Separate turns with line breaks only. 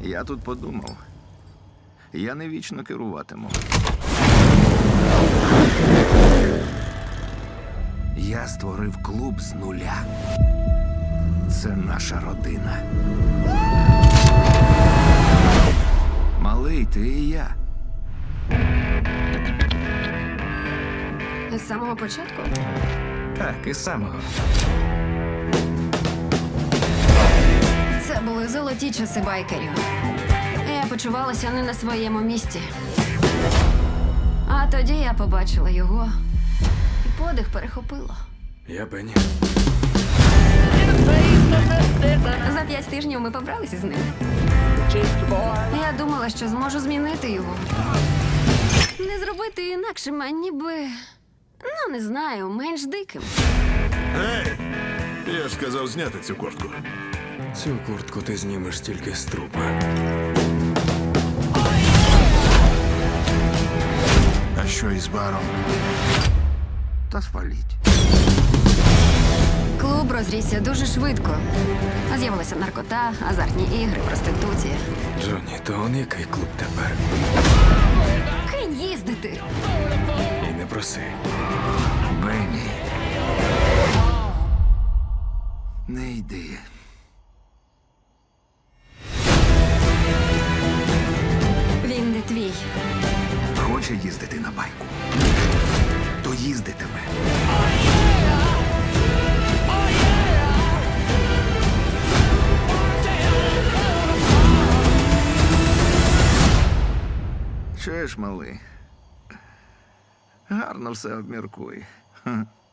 Я тут подумав. Я не вічно керуватиму. Я створив клуб з нуля. Це наша родина. Малий, ти і я.
З самого початку?
Так, із самого.
Це були золоті часи байкерів. Я почувалася не на своєму місці. А тоді я побачила його, і подих перехопило.
Я Бенні.
За 5 тижнів ми побралися з ним. Я думала, що зможу змінити його. Не зробити інакшим, а ніби, ну не знаю, менш диким.
Ей! Я ж сказав зняти цю куртку.
Цю куртку ти знімеш тільки з трупа.
А що із баром?
Та спаліть.
Клуб розрісся дуже швидко. З'явилася наркота, азартні ігри, проституція.
Джонні, то он який клуб тепер?
Кинь їздити.
І не проси.
Бенні. Не йди.
Він не твій.
Хоче їздити на байку. То їздитиме. Чуєш, малий? Гарно все обміркуй. Ха.